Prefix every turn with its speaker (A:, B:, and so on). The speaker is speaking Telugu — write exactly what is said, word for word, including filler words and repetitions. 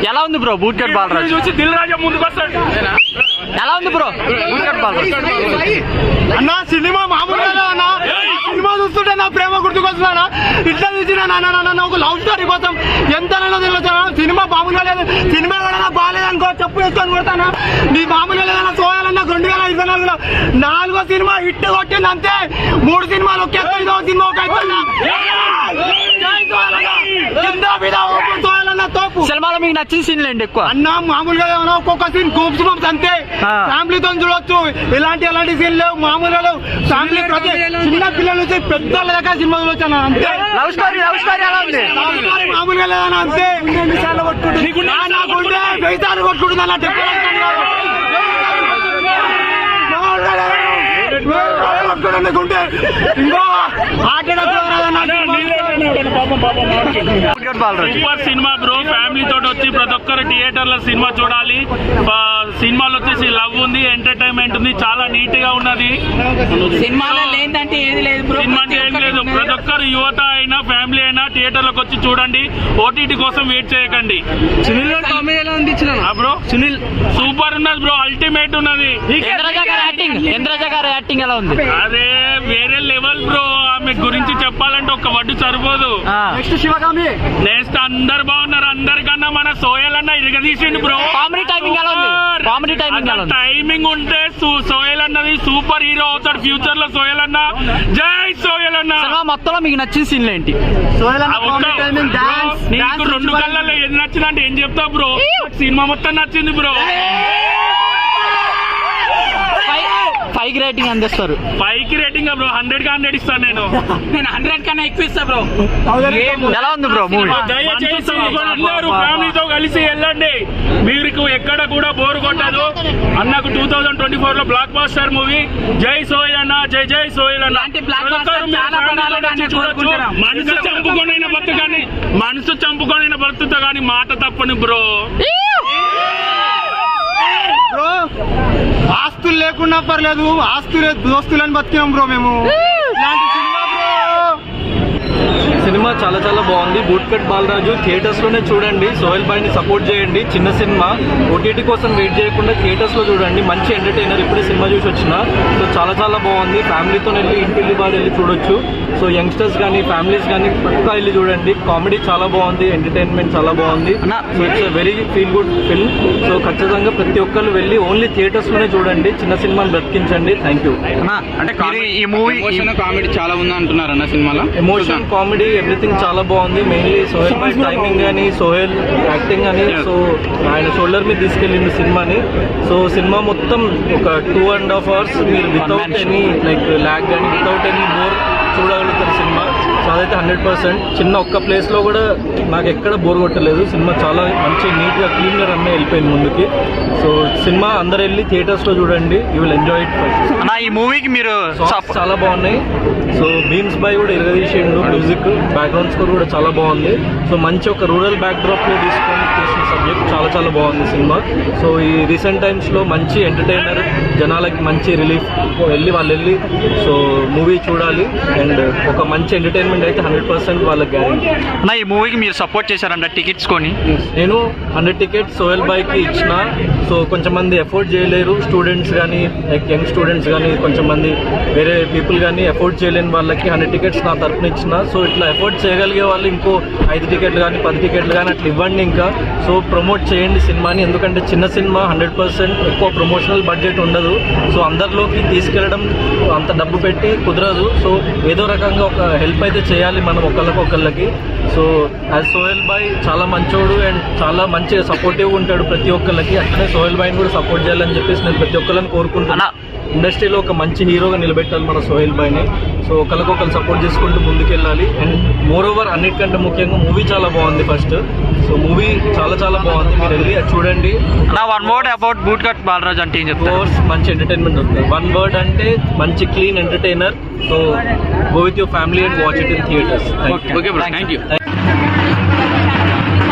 A: ఎలా ఉంది బ్రో బూట్ కట్ బాలరాజు
B: చూసి దిల్ రాజా ముందుకు వస్తాడు.
A: ఎలా ఉంది బ్రో బూట్ కట్ బాలరాజు
C: అన్న సినిమా మామూలుగా అన్న సినిమా చూస్తుంటే నా ప్రేమ గుర్తుకొస్తున్నా ఇట్లా చూసిన నాన్న ఒక లవ్ స్టోరీ కోసం ఎంత తెలుసు సినిమా మామూలుగా లేదు. సినిమా కూడా బాగాలేదనుకో చెప్పు వేసుకొని కొడతాను. నీ మామూలుగా లేదన్నా సోయాలన్నా రెండు వేల ఇరవై నాలుగులో నాలుగో సినిమా హిట్ కొట్టింది అంతే. మూడు సినిమాలు ఒకే ఐదో సినిమా ఒక
A: సినిమాలో మీకు నచ్చిన సీన్లు ఏంటి ఎక్కువ
C: అన్న? మామూలుగా ఏమన్నా ఒక్కొక్క సీన్ గూప్స్ బంప్స్ అంతే. ఫ్యామిలీతో చూడొచ్చు. ఇలాంటి ఎలాంటి సీన్ లేవు. మామూలుగా లేవు. ఫ్యామిలీ ప్రతి చిన్న పిల్లల నుంచి పెద్దల దాకా సినిమా చూడొచ్చు అంతే.
A: లవ్ స్టోరీ లవ్ స్టోరీ ఎలా ఉంది?
C: మామూలుగా లేదన్నా అంతే. నిమిషాలు కొట్టుకుంటుంది నాకుంటే వెయ్యి కొట్టుకుంటుంది అన్న.
B: Super cinema bro. ఫ్యామిలీ తోటి వచ్చి ప్రతి ఒక్కరు థియేటర్ లో సినిమా చూడాలి. సినిమాలో వచ్చేసి లవ్ ఉంది, ఎంటర్టైన్మెంట్ ఉంది, చాలా నీట్ గా ఉన్నది.
D: సినిమాలో లేదంటే ఏది లేదు బ్రో.
B: సినిమా అంటే ఏం లేదు. ప్రతి ఒక్కరు యువత అయినా ఫ్యామిలీ అయినా థియేటర్ లోకి వచ్చి చూడండి. ఓటీటీ కోసం వెయిట్ చేయకండి.
D: సునీల్ కామెడీ ఎలా ఉంది
B: బ్రో?
D: సునీల్
B: సూపర్ ఉన్నది బ్రో. అల్టిమేట్ ఉన్నది.
A: ఇంద్రజ గారి యాక్టింగ్ ఇంద్రజ గారి యాక్టింగ్ ఎలా ఉంది?
B: అదే వేరే లెవెల్ బ్రో. ఆమె గురించి చెప్పాలంటే ఒక వడ్డు సరిపోదు.
C: నెక్స్ట్ శివగామి
B: నెక్స్ట్ అందరు బాగున్నారు. అందరికన్నా మన సోయల్ అన్న ఇరగదీసిండు బ్రో.
A: కామెడీ టైమింగ్ ఎలా ఉంది? కామెడీ టైమింగ్ ఎలా ఉంది?
B: టైమింగ్ ఉంటే సోయల్ అన్నది సూపర్ హీరో అవుతాడు ఫ్యూచర్ లో. సోయల్ అన్న జై సోయల్ అన్న.
A: సినిమా మొత్తంలో మీకు నచ్చిన సీన్లు ఏంటి?
B: నీకు రెండు కళ్ళల్లో ఏది నచ్చిందంటే ఏం చెప్తావు బ్రో? సినిమా మొత్తం నచ్చింది బ్రో.
A: ఫైవ్ కి రేటింగ్ అందిస్తారు.
B: ఫైవ్ కి రేటింగ్ బ్రో. హండ్రెడ్ కి హండ్రెడ్ ఇస్తాను నేను.
D: నేను హండ్రెడ్ కన్నా ఎక్కువ ఇస్తా బ్రో.
A: ఎలా ఉంది బ్రో మూవీ?
B: దయచేసి అందరూ ఫ్యామిలీతో కలిసి వెళ్ళండి. మీకు ఎక్కడ కూడా బోర్ కొట్టదు. అన్నకు టూ థౌసండ్ ట్వంటీ ఫోర్ లో బ్లాక్ బాస్టర్ మూవీ. జై సోయల్ అన్న, జై జై సోయల్ అన్న. మనసు చంపుకొనైనా బతు కానీ మనసు చంపుకొనైనా బతుకుతా కానీ మాట తప్పని బ్రో.
C: బ్రో ఆస్తులు లేకున్నా పర్లేదు, ఆస్తులే దోస్తులని బతికినాం బ్రో మేము. ఇలాంటి సినిమా బ్రో.
E: సినిమా చాలా చాలా బాగుంది. బూట్ కట్ బాలరాజు థియేటర్స్ లోనే చూడండి. సోహెల్ భాయ్ ని సపోర్ట్ చేయండి. చిన్న సినిమా ఓటీటీ కోసం వెయిట్ చేయకుండా థియేటర్స్ లో చూడండి. మంచి ఎంటర్టైనర్. ఇప్పుడే సినిమా చూసి వచ్చిన. సో చాలా చాలా బాగుంది. ఫ్యామిలీతో వెళ్ళి ఇంటిల్లి బాగా వెళ్ళి చూడొచ్చు. సో యంగ్స్టర్స్ కానీ ఫ్యామిలీస్ కానీ పక్కా వెళ్ళి చూడండి. కామెడీ చాలా బాగుంది. ఎంటర్టైన్మెంట్ చాలా బాగుంది. So it's very feel good film. So ఖచ్చితంగా ప్రతి ఒక్కరు వెళ్ళి ఓన్లీ థియేటర్స్ లోనే చూడండి. చిన్న సినిమాని బ్రతికించండి. Thank you.
D: అంటే ఈ మూవీ కామెడీ చాలా ఉంది అంటున్నారు అన్న. సినిమాలో
E: ఎమోషన్ కామెడీ ఎవ్రీథింగ్ చాలా బాగుంది. మెయిన్లీ సోహెల్ భాయ్ టైమింగ్ కానీ సోహెల్ యాక్టింగ్ కానీ సో ఆయన షోల్డర్ మీద తీసుకెళ్ళింది సినిమాని. సో సినిమా మొత్తం ఒక టూ అండ్ హాఫ్ అవర్స్ మీరు వితౌట్ ఎనీ లైక్ ల్యాగ్ కానీ వితౌట్ ఎనీ బోర్ చూడగలుగుతారు సినిమా. సో అదైతే హండ్రెడ్ పర్సెంట్. చిన్న ఒక్క ప్లేస్లో కూడా నాకు ఎక్కడ బోర్ కొట్టలేదు. సినిమా చాలా మంచి నీట్గా క్లీన్గా రన్ వెళ్ళిపోయింది ముందుకి. సో సినిమా అందరు వెళ్ళి థియేటర్స్లో చూడండి. You will enjoy it.
A: అన్న ఈ మూవీకి మీరు
E: చాలా బాగున్నాయి. సో బీమ్స్ బాయ్ కూడా ఇరగదీసిండు. మ్యూజిక్ బ్యాక్గ్రౌండ్ స్కోర్ కూడా చాలా బాగుంది. సో మంచి ఒక రూరల్ బ్యాక్డ్రాప్లో తీసుకొని తీసిన సబ్జెక్ట్ చాలా చాలా బాగుంది సినిమా. సో ఈ రీసెంట్ టైమ్స్లో మంచి ఎంటర్టైనర్, జనాలకి మంచి రిలీఫ్. వెళ్ళి వాళ్ళు వెళ్ళి సో మూవీ చూడాలి. అండ్ ఒక మంచి ఎంటర్టైన్మెంట్ అయితే హండ్రెడ్ పర్సెంట్ వాళ్ళకి గ్యారెంటీ.
A: అన్న ఈ మూవీకి మీరు సపోర్ట్ చేశారంట టికెట్స్ కొని?
E: నేను హండ్రెడ్ టికెట్స్ సోహెల్ బాయ్కి ఇచ్చిన. సో కొంచెం మంది ఎఫోర్డ్ చేయలేరు. స్టూడెంట్స్ కానీ లైక్ యంగ్ స్టూడెంట్స్ కానీ కొంచెం మంది వేరే పీపుల్ కానీ ఎఫోర్డ్ చేయలేని వాళ్ళకి హండ్రెడ్ టికెట్స్ నా తరఫున ఇచ్చిన. సో ఇట్లా ఎఫోర్డ్ చేయగలిగే వాళ్ళు ఇంకో ఐదు టికెట్లు కానీ పది టికెట్లు కానీ అట్లా ఇవ్వండి ఇంకా. సో ప్రమోట్ చేయండి సినిమాని. ఎందుకంటే చిన్న సినిమా హండ్రెడ్ పర్సెంట్ ఎక్కువ ప్రమోషనల్ బడ్జెట్ ఉండదు. సో అందరిలోకి తీసుకెళ్ళడం అంత డబ్బు పెట్టి కుదరదు. సో ఏదో రకంగా ఒక హెల్ప్ అయితే చేయాలి మనం ఒకళ్ళకి ఒకళ్ళకి. సో యాజ్ సోహెల్ భాయ్ చాలా మంచోడు అండ్ చాలా మంచిగా సపోర్టివ్గా ఉంటాడు ప్రతి ఒక్కళ్ళకి. అట్లనే సోహెల్ భాయ్ని కూడా సపోర్ట్ చేయాలని చెప్పేసి నేను ప్రతి ఒక్కళ్ళని కోరుకుంటున్నా. ఇండస్ట్రీలో ఒక మంచి హీరోగా నిలబెట్టాలి మన సోహెల్ భాయ్ని. సో ఒకరికొకరు సపోర్ట్ చేసుకుంటూ ముందుకెళ్ళాలి. అండ్ మోర్ ఓవర్ అన్నిటికంటే ముఖ్యంగా మూవీ చాలా బాగుంది ఫస్ట్. సో మూవీ చాలా చాలా బాగుంది. మీరు వెళ్ళి చూడండి.
A: నా one word about boot cut Balaraju అంటే ఏం చెప్తారు?
E: మంచి ఎంటర్టైన్మెంట్ ఉంటుంది. వన్ వర్డ్ అంటే మంచి clean entertainer. So go with your family and watch it in theatres.
D: Okay bro, thank you.